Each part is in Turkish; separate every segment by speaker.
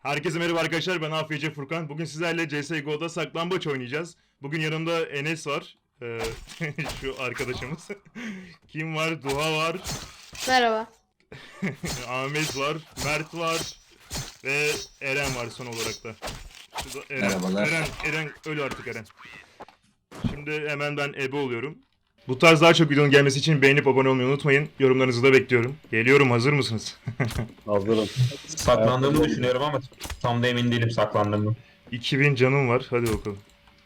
Speaker 1: Herkese merhaba arkadaşlar, ben AFC Furkan. Bugün sizlerle CSGO'da saklambaç oynayacağız. Bugün yanımda Enes var. Şu arkadaşımız. Kim var? Duha var.
Speaker 2: Merhaba.
Speaker 1: Ahmet var. Mert var. Ve Eren var son olarak da. Şurada Eren.
Speaker 3: Merhabalar.
Speaker 1: Eren öl artık Eren. Şimdi hemen ben ebe oluyorum. Bu tarz daha çok videonun gelmesi için beğenip abone olmayı unutmayın. Yorumlarınızı da bekliyorum. Geliyorum, hazır mısınız?
Speaker 4: Hazırım.
Speaker 3: Saklandığımı düşünüyorum ama tam da emin değilim saklandığımı.
Speaker 1: 2000 canım var. Hadi bakalım.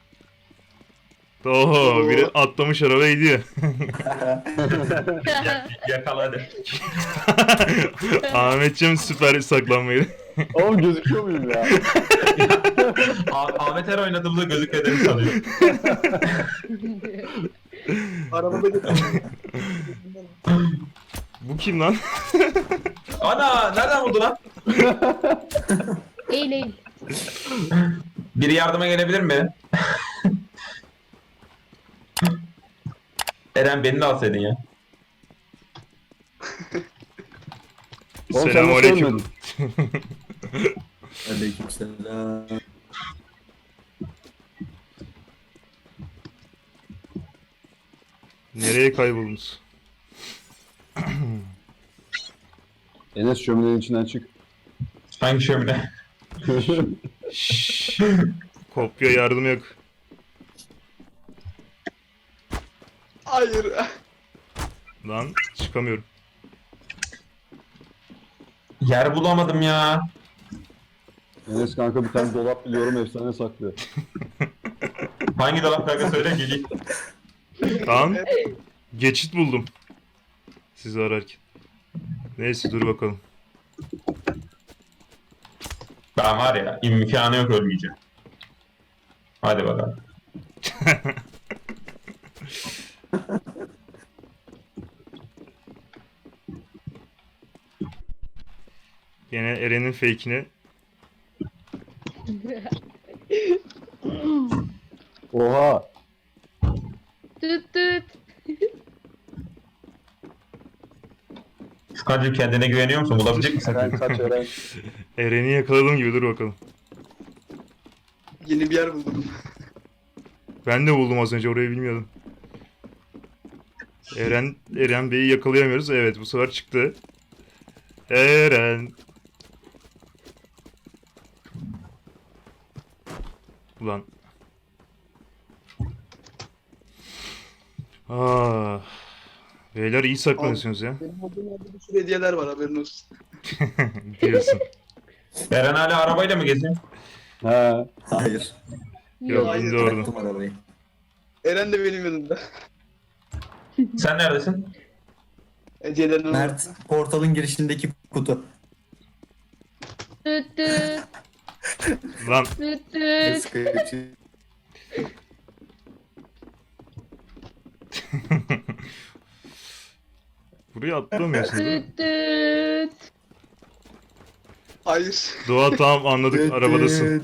Speaker 1: Oho, biri atlamış arabaya gidiyor.
Speaker 3: Yakala hadi.
Speaker 1: Ahmetciğim süper saklanmayı.
Speaker 4: Oğlum gözüküyor muyum ya?
Speaker 3: Ahmet her oynadığımda gözükmediğimi sanıyor.
Speaker 5: Arabada götürdüm.
Speaker 1: Bu kim lan?
Speaker 3: Ana nereden buldu lan?
Speaker 2: Eğil eğil.
Speaker 3: Biri yardıma gelebilir mi? Eren beni de alsaydın ya.
Speaker 4: Oğlum sen
Speaker 1: Selamünaleyküm.
Speaker 4: nasıl ölmedin?
Speaker 5: Aleykümselam.
Speaker 1: Nereye kayboldunuz?
Speaker 4: Enes şöminenin içinden çık.
Speaker 3: Hangi şömine?
Speaker 1: Şşş. Kopya yardım yok.
Speaker 5: Hayır.
Speaker 1: Lan çıkamıyorum.
Speaker 3: Yer bulamadım ya.
Speaker 4: Enes kanka bir tane dolap biliyorum efsane saklıyor.
Speaker 3: Hangi dolap kanka söyle geleyim.
Speaker 1: Tamam. Geçit buldum. Sizi ararken. Neyse dur bakalım.
Speaker 3: Ben var ya imkanı yok ölmeyeceğim. Hadi bakalım.
Speaker 1: Yine Eren'in fake'ini.
Speaker 4: Oha!
Speaker 2: Tüt tüt.
Speaker 3: Furkan'cığım kendine güveniyor musun? Bulabilecek misin?
Speaker 4: Eren kaç Eren.
Speaker 1: Eren'i yakaladım gibi, dur bakalım.
Speaker 5: Yeni bir yer buldum.
Speaker 1: Ben de buldum az önce, orayı bilmiyordum. Eren Bey'i yakalayamıyoruz. Evet, bu sefer çıktı. Eren. Ulan. Ah. Beyler iyi saklanıyorsunuz ya.
Speaker 5: Benim olduğum yerde bir sürü hediyeler var, haberin olsun.
Speaker 1: Diyorsun.
Speaker 3: Eren hala arabayla mı geziyor?
Speaker 4: He.
Speaker 6: Hayır.
Speaker 1: Yok,
Speaker 5: Hayır,
Speaker 1: indi oradan.
Speaker 6: Bıraktım arabayı.
Speaker 5: Eren de benim yanımda.
Speaker 3: Sen neredesin?
Speaker 5: Hediyelerini
Speaker 6: Mert, portalın girişindeki kutu.
Speaker 2: Tüt tüt.
Speaker 1: Lan
Speaker 2: Tüt tüt.
Speaker 6: Sıkıcı.
Speaker 1: buraya atlamıyorsun değil mi?
Speaker 2: Tüt tüt.
Speaker 5: Hayır.
Speaker 1: Doğa, tamam anladık, arabadasın.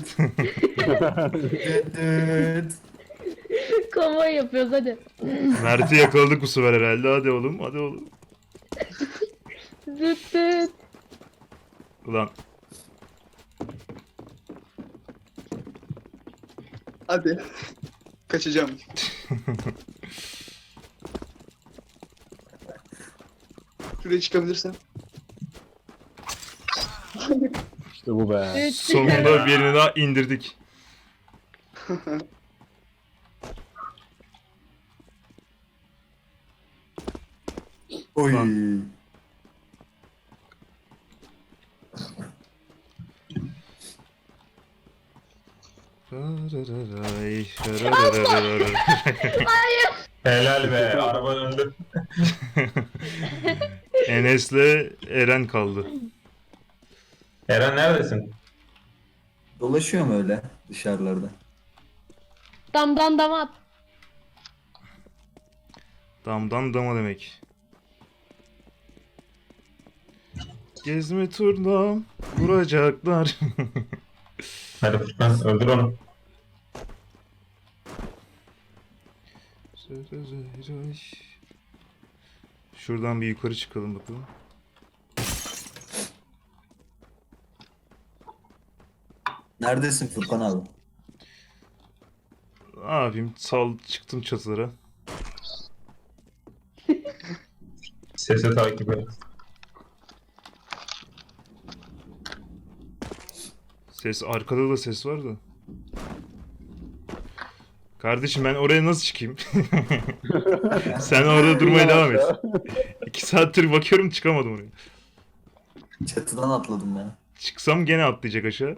Speaker 6: Düt.
Speaker 2: Konvoy yapıyoruz hadi.
Speaker 1: Mert'i yakaladık bu sefer herhalde. Hadi oğlum, hadi oğlum.
Speaker 2: Tüt tüt.
Speaker 1: Ulan
Speaker 5: Hadi. Kaçacağım. Şuraya çıkabilirsen.
Speaker 4: İşte bu be.
Speaker 2: Tüt tüt.
Speaker 1: sonunda birini daha indirdik.
Speaker 6: Oy.
Speaker 3: Helal be araba döndü.
Speaker 1: Enes'le Eren kaldı.
Speaker 3: Eren neredesin?
Speaker 6: Dolaşıyorum öyle dışarılarda.
Speaker 2: Damdan damat.
Speaker 1: Damdan dama demek. Gezme turna vuracaklar.
Speaker 3: Hadi Furkan öldür onu.
Speaker 1: Şuradan bir yukarı çıkalım bakalım.
Speaker 6: Neredesin Furkan abi?
Speaker 1: Ne yapayım? Çıktım çatılara.
Speaker 3: Sesi takip et.
Speaker 1: Arkada da ses var da. Kardeşim ben oraya nasıl çıkayım? Sen orada durmaya devam et. 2 saattir bakıyorum çıkamadım oraya.
Speaker 6: Çatıdan atladım ben.
Speaker 1: Çıksam gene atlayacak aşağı.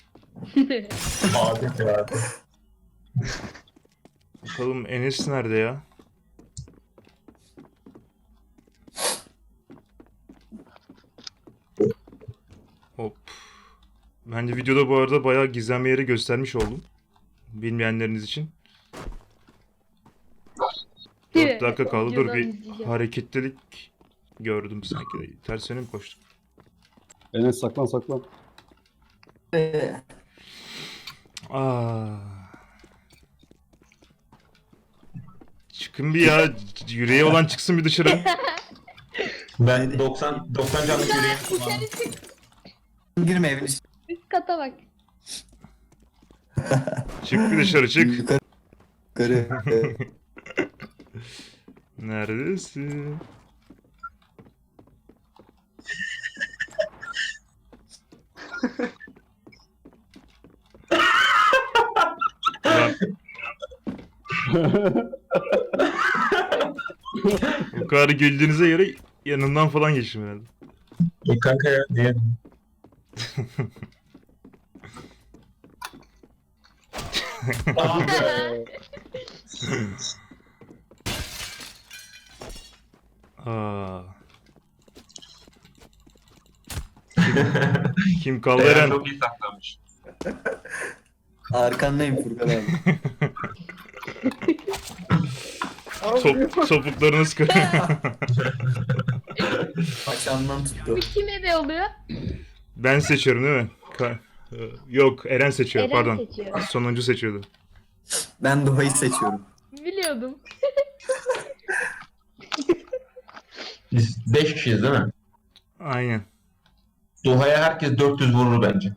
Speaker 3: Adet ya.
Speaker 1: Bakalım Enes nerede ya? Hop. Ben de videoda bu arada bayağı gizlenme yeri göstermiş oldum. Bilmeyenleriniz için. 4 dakika kaldı. Dur bir hareketlilik gördüm sanki. Ters yöne mi koştum?
Speaker 4: Enes saklan saklan.
Speaker 1: Aa. Çıkın bir ya. Yüreği olan çıksın bir dışarı.
Speaker 3: Ben 90 canlık yüreğim kullandım.
Speaker 6: Girme evin içine.
Speaker 2: Üst kata bak.
Speaker 1: Çık bir dışarı çık.
Speaker 6: Yukarı.
Speaker 1: Neredesin? Ulan. Bu kadar güldüğünüze göre yanından falan geçtim herhalde.
Speaker 3: Kanka ya diye.
Speaker 1: Aa. Kim kaldı
Speaker 3: Eren
Speaker 1: Eren?
Speaker 3: çok iyi saklamış.
Speaker 6: Arkandayım Furkan abi.
Speaker 1: Topuklarınız kırıyor.
Speaker 6: Paçamdan tuttu.
Speaker 2: Bu kim ebe oluyor?
Speaker 1: Ben seçiyorum değil mi? Yok Eren seçiyor
Speaker 2: Eren
Speaker 1: pardon.
Speaker 2: seçiyor.
Speaker 1: Sonuncu seçiyordu.
Speaker 6: Ben Doğa'yı seçiyorum.
Speaker 2: Biliyordum.
Speaker 3: Biz 5 kişiyiz değil mi?
Speaker 1: Aynen.
Speaker 3: Duha'ya herkes 400 vurur bence.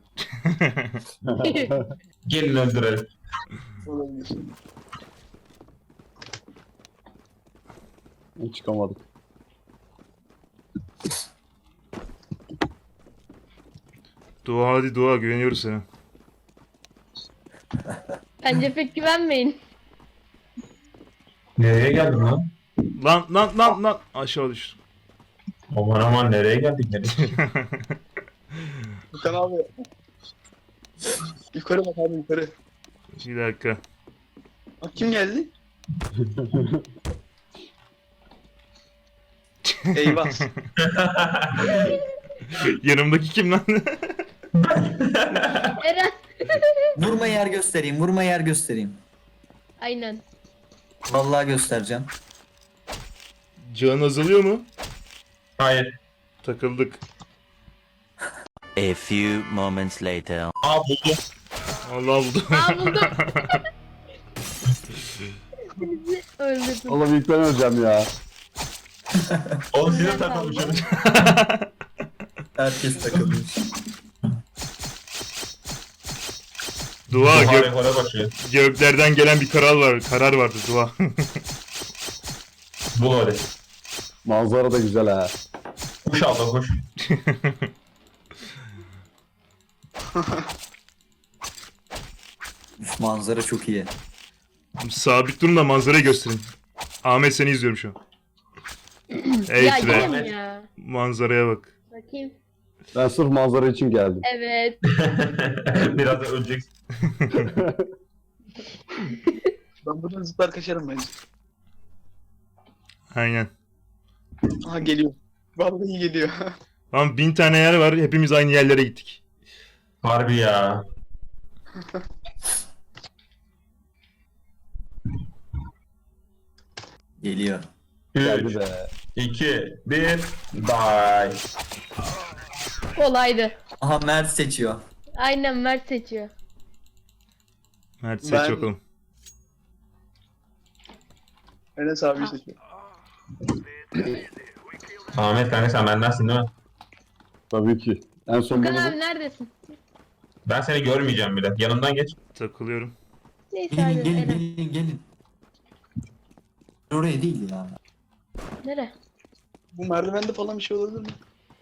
Speaker 3: Gelin öldürelim.
Speaker 5: Olabilir.
Speaker 4: Çıkamadık.
Speaker 1: Dua hadi dua güveniyoruz sana.
Speaker 2: Bence pek güvenmeyin.
Speaker 3: Nereye geldin lan?
Speaker 1: Lan aşağı düştüm.
Speaker 3: Aman aman nereye geldik nereye?
Speaker 5: Furkan abi. Yukarı bak abi yukarı.
Speaker 1: Bir dakika.
Speaker 5: Bak kim geldi? Eyvah.
Speaker 1: Yanımdaki kim lan?
Speaker 2: Eren.
Speaker 6: Vurma yer göstereyim, vurma yer göstereyim.
Speaker 2: Aynen.
Speaker 6: Vallahi göstereceğim.
Speaker 1: Can azalıyor mu?
Speaker 3: Hayır.
Speaker 1: Takıldık.
Speaker 7: A few moments later.
Speaker 3: Aa buldum.
Speaker 1: Allah buldu.
Speaker 2: Aa buldum. Bizi öldürdün.
Speaker 4: Oğlum ilk ben öleceğim ya.
Speaker 3: Oğlum size
Speaker 2: Ben
Speaker 3: takılmışım.
Speaker 6: Herkes takılmış.
Speaker 1: Dua
Speaker 3: Duha rekora başlıyor.
Speaker 1: göklerden gelen bir karar vardı dua.
Speaker 3: Bul öyle.
Speaker 4: Manzara da güzel ha.
Speaker 3: Koş abla koş.
Speaker 6: Üf, manzara çok iyi.
Speaker 1: Sabit durun da manzarayı gösterin. Ahmet seni izliyorum şu an. Ey
Speaker 2: Ya
Speaker 1: Tre,
Speaker 2: yine mi ya?
Speaker 1: manzaraya bak.
Speaker 2: Bakayım.
Speaker 4: Ben sırf manzara için geldim.
Speaker 2: Evet.
Speaker 3: Biraz da öleceksin.
Speaker 5: Ben buradan zıplar kaçarım bence.
Speaker 1: Aynen.
Speaker 5: Aha geliyor. Vallahi geliyor.
Speaker 1: Lan 1000 tane yer var hepimiz aynı yerlere gittik.
Speaker 3: Harbi ya.
Speaker 6: Geliyor.
Speaker 4: Geldi
Speaker 3: 3,
Speaker 4: be.
Speaker 3: 2, 1, bye.
Speaker 2: Kolaydı.
Speaker 6: Aha Mert seçiyor.
Speaker 2: Aynen Mert seçiyor.
Speaker 1: Mert seç
Speaker 5: Ben-
Speaker 1: bakalım.
Speaker 5: Enes abi seçiyor.
Speaker 3: Ahmet kanka sen bendensin değil mi?
Speaker 4: Tabii ki. En son
Speaker 2: Furkan
Speaker 4: bunu
Speaker 2: abi neredesin?
Speaker 3: Ben seni görmeyeceğim bile. Yanımdan geç.
Speaker 1: Takılıyorum.
Speaker 2: Neyse
Speaker 6: Gelin
Speaker 2: hadi
Speaker 6: gelin
Speaker 2: Eren.
Speaker 6: gelin. Oraya değil ya.
Speaker 2: Nere?
Speaker 5: Bu merdivende falan bir şey olabilir mi?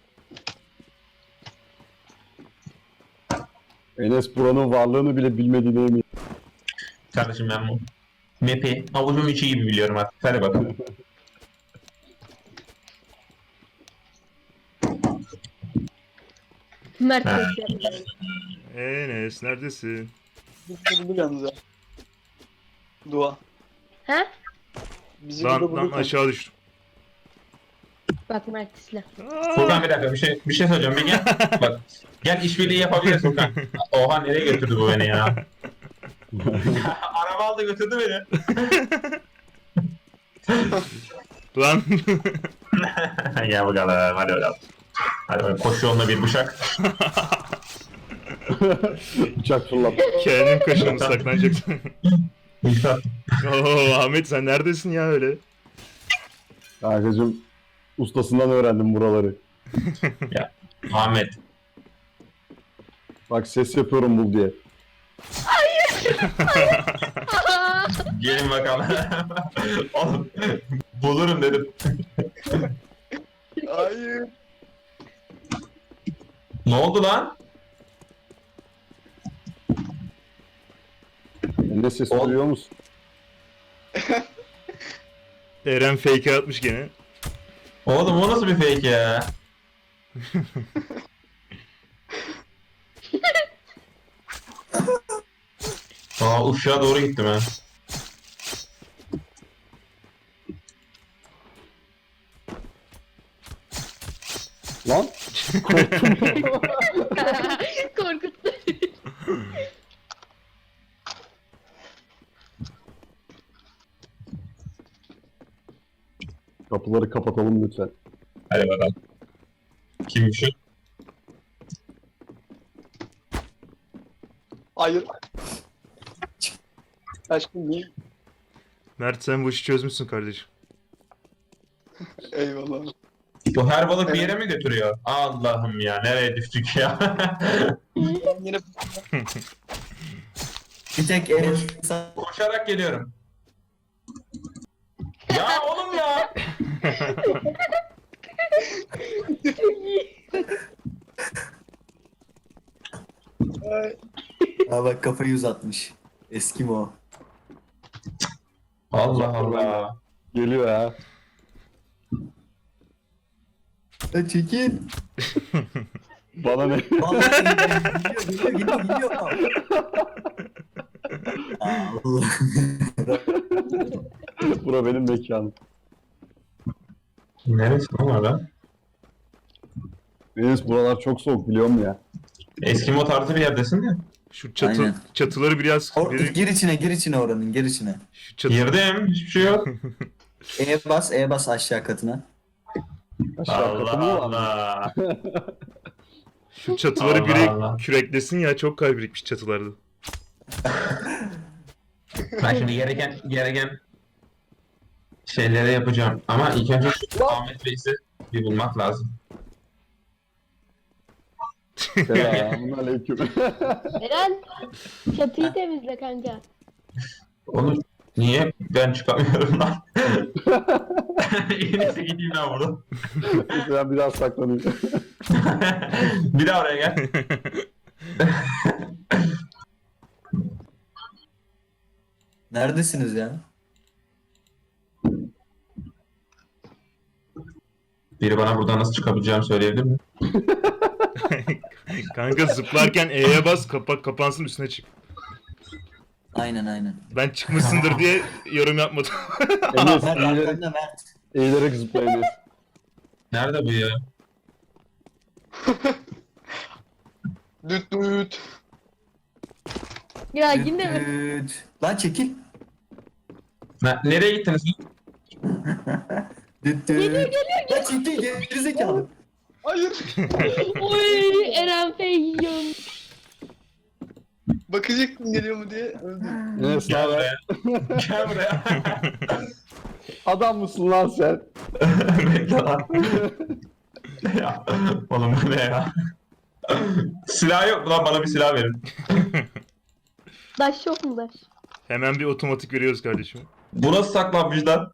Speaker 4: Enes buranın varlığını bile bilmediğine emin.
Speaker 3: Kardeşim ben bu map'i avucum içi gibi biliyorum artık. Hadi bakalım.
Speaker 2: Mert
Speaker 3: Ha.
Speaker 2: seçiyor.
Speaker 1: Enes neredesin?
Speaker 5: Bu yalnız ha. Dua.
Speaker 2: Ha?
Speaker 5: Bizi burada
Speaker 1: Lan
Speaker 5: bulduk.
Speaker 1: aşağı düştüm.
Speaker 2: Bak Mert isle.
Speaker 3: Furkan bir dakika bir şey söyleyeceğim. Bir gel. Bak gel işbirliği yapabiliriz Furkan. Oha nereye götürdü bu beni ya? Araba aldı götürdü beni.
Speaker 1: Lan.
Speaker 3: Gel bakalım hadi bakalım. Hadi bakalım koş yoluna bir bıçak.
Speaker 4: Bıçak fırlat.
Speaker 1: Kendim kaşınım saklanacaksın.
Speaker 3: İmdat.
Speaker 1: Oo Ahmet sen neredesin ya öyle?
Speaker 4: Kankacım ustasından öğrendim buraları.
Speaker 3: Ahmet.
Speaker 4: Bak ses yapıyorum bul diye.
Speaker 3: Gelin bakalım. Oğlum bulurum dedim.
Speaker 5: Hayır.
Speaker 3: Ne oldu lan?
Speaker 4: Enes ses
Speaker 3: Oğlum.
Speaker 4: duyuyor musun?
Speaker 1: Eren fake atmış gene.
Speaker 3: Oğlum o nasıl bir fake ya? Aa uşağa doğru gittim ha.
Speaker 4: Lan
Speaker 2: Korkuttu.
Speaker 4: kapıları kapatalım lütfen.
Speaker 3: Hadi bakalım. Kimmiş o?
Speaker 5: Hayır. Aşkım niye?
Speaker 1: Mert sen bu işi çözmüşsün kardeşim.
Speaker 5: Eyvallah.
Speaker 3: Bu her balık bir yere mi götürüyor? Allah'ım ya nereye düştük ya?
Speaker 5: Ben yine
Speaker 6: Bir tek Enes
Speaker 3: Koşarak geliyorum. Ya oğlum ya!
Speaker 5: Ay,
Speaker 6: Aa, bak kafayı uzatmış. Eskimo.
Speaker 3: Allah Allah.
Speaker 4: Geliyor ha.
Speaker 6: Ya çekil.
Speaker 4: Bana ne?
Speaker 6: Vallahi geliyor. Allah.
Speaker 4: Bura benim mekanım.
Speaker 3: Neresi lan orada?
Speaker 4: Enes buralar çok soğuk biliyor musun ya?
Speaker 3: Eskimo tarzı bir yerdesin ya.
Speaker 1: Şu
Speaker 6: Aynen.
Speaker 1: çatıları biraz
Speaker 6: Gir içine oranın gir içine.
Speaker 1: şu çatı,
Speaker 3: Girdim hiçbir şey yok.
Speaker 6: E bas aşağı katına.
Speaker 4: Aşağı katı mı
Speaker 3: Allah
Speaker 4: var?
Speaker 3: Allah.
Speaker 1: şu çatıları
Speaker 3: Allah
Speaker 1: biri
Speaker 3: Allah.
Speaker 1: küreklesin ya çok kar birikmiş çatılarda.
Speaker 3: Ben şimdi gereken şeyleri yapacağım. Ama ilk önce şu Ahmet Reis'i bir bulmak lazım.
Speaker 4: Selamun aleyküm.
Speaker 2: Eren çatıyı temizle kanka.
Speaker 3: Onu niye ben çıkamıyorum lan? En iyisi gideyim ben buradan.
Speaker 4: Ben biraz saklanayım.
Speaker 3: Bir daha oraya gel.
Speaker 6: Neredesiniz ya?
Speaker 3: Biri bana buradan nasıl çıkabileceğimi söyleyebilir mi?
Speaker 1: Kanka zıplarken E'ye bas kapansın üstüne çık.
Speaker 6: Aynen.
Speaker 1: Ben çıkmışsındır diye yorum yapmadım.
Speaker 4: Enes
Speaker 6: Mert
Speaker 4: eğilerek,
Speaker 6: arkanda Mert.
Speaker 4: eğilerek zıpla Enes.
Speaker 3: Nerede bu ya?
Speaker 5: düt düt.
Speaker 2: Ya yine mi?
Speaker 6: Düt. Lan çekil.
Speaker 3: Nereye gittiniz?
Speaker 6: Düt düt. Lan çekil gerizekalı.
Speaker 5: Hayır.
Speaker 2: Oy Eren fake yiyorum.
Speaker 5: Bakacaktım geliyor mu diye öldüm.
Speaker 4: Enes
Speaker 3: Gel
Speaker 4: naber?
Speaker 3: buraya. Gel buraya.
Speaker 4: Adam mısın lan sen?
Speaker 3: Bekle lan. Ya, oğlum bu ne ya? Silah yok mu lan, bana bir silah verin.
Speaker 2: Daş yok mu daş?
Speaker 1: Hemen bir otomatik veriyoruz kardeşim.
Speaker 3: Bu nasıl saklanmış lan?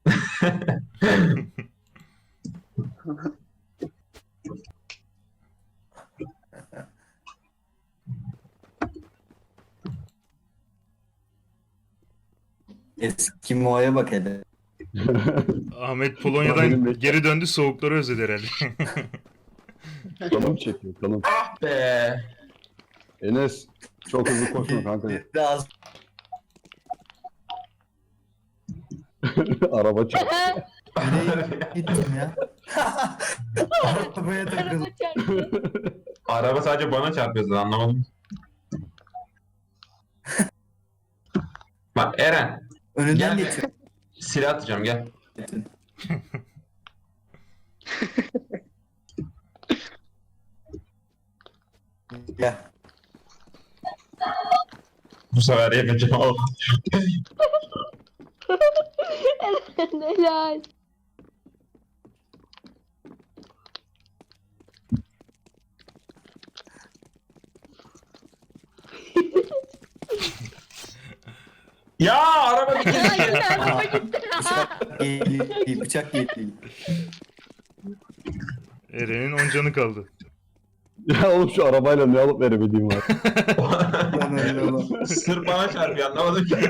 Speaker 6: Eskimo'ya bak hele.
Speaker 1: Ahmet
Speaker 4: Benim
Speaker 1: Polonya'dan
Speaker 4: de-
Speaker 1: geri döndü, soğukları özledi herhalde.
Speaker 4: Kanım çekiyor kanım.
Speaker 3: Be.
Speaker 4: Enes çok hızlı koşma kanka.
Speaker 6: Biraz
Speaker 4: Araba çarptı.
Speaker 6: gittim ya. Arabaya takıldım.
Speaker 2: Araba çarptı.
Speaker 3: Araba sadece bana çarpıyor zaten, anlamadım. Bak Eren,
Speaker 6: Önünden
Speaker 3: Gel.
Speaker 6: geçiyor.
Speaker 3: silah atacağım, gel.
Speaker 6: Gel.
Speaker 3: Bu sefer yapacağım oğlum.
Speaker 2: Helal.
Speaker 3: Ya araba bir
Speaker 2: Ya
Speaker 3: kere.
Speaker 2: yine araba gitti.
Speaker 6: Bıçak geliyor. Bıçak geliyor.
Speaker 1: Eren'in 10 canı kaldı.
Speaker 4: Ya oğlum şu arabayla ne alıp verebildiğim var.
Speaker 6: Lan öyle oğlum.
Speaker 3: Sırf bana çarpıyor, anlamadım ki.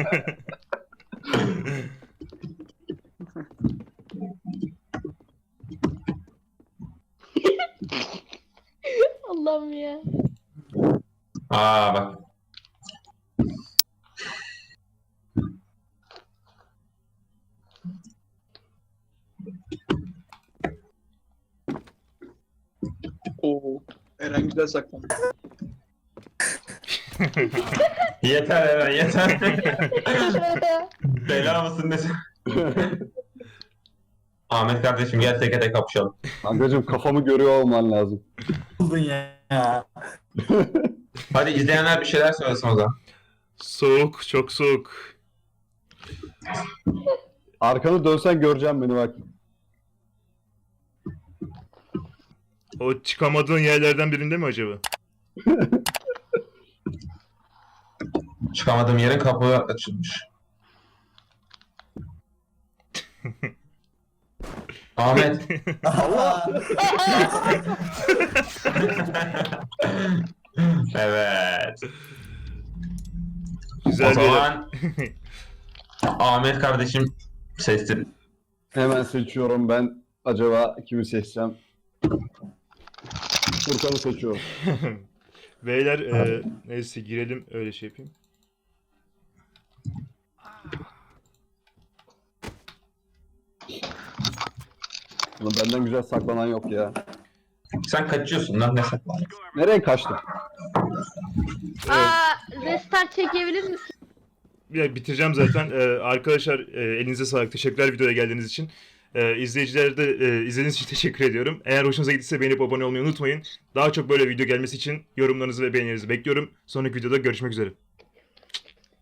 Speaker 2: Allah'ım ya.
Speaker 3: Aa bak.
Speaker 5: Oo. Eren güzel saklandı.
Speaker 3: Yeter Eren, yeter. Bela mısın ne? Ahmet kardeşim gel teke tek kapışalım.
Speaker 4: Kankacığım kafamı görüyor olman lazım.
Speaker 6: Buldun ya.
Speaker 3: Hadi izleyenler bir şeyler söylesin o zaman.
Speaker 1: Soğuk, çok soğuk.
Speaker 4: Arkanı dönsen göreceğim beni bak.
Speaker 1: O çıkamadığın yerlerden birinde mi acaba?
Speaker 3: Çıkamadığım yerin kapı açılmış. Ahmet. Evet.
Speaker 1: Güzel
Speaker 3: O
Speaker 1: bir
Speaker 3: zaman Ahmet kardeşim seçtim.
Speaker 4: Hemen seçiyorum ben. Acaba kimi seçsem? Furkan'ı seçiyorum.
Speaker 1: Beyler neyse girelim, öyle şey yapayım.
Speaker 4: Ulan benden güzel saklanan yok ya.
Speaker 3: Sen kaçıyorsun lan, ne saklan?
Speaker 4: Nereye kaçtın?
Speaker 2: Aa, restart çekebilir misin?
Speaker 1: Ya, bitireceğim zaten. Arkadaşlar elinize sağlık. Teşekkürler videoya geldiğiniz için. İzleyiciler de izlediğiniz için teşekkür ediyorum. Eğer hoşunuza gittiyse beğenip abone olmayı unutmayın. Daha çok böyle video gelmesi için yorumlarınızı ve beğenilerinizi bekliyorum. Sonraki videoda görüşmek üzere.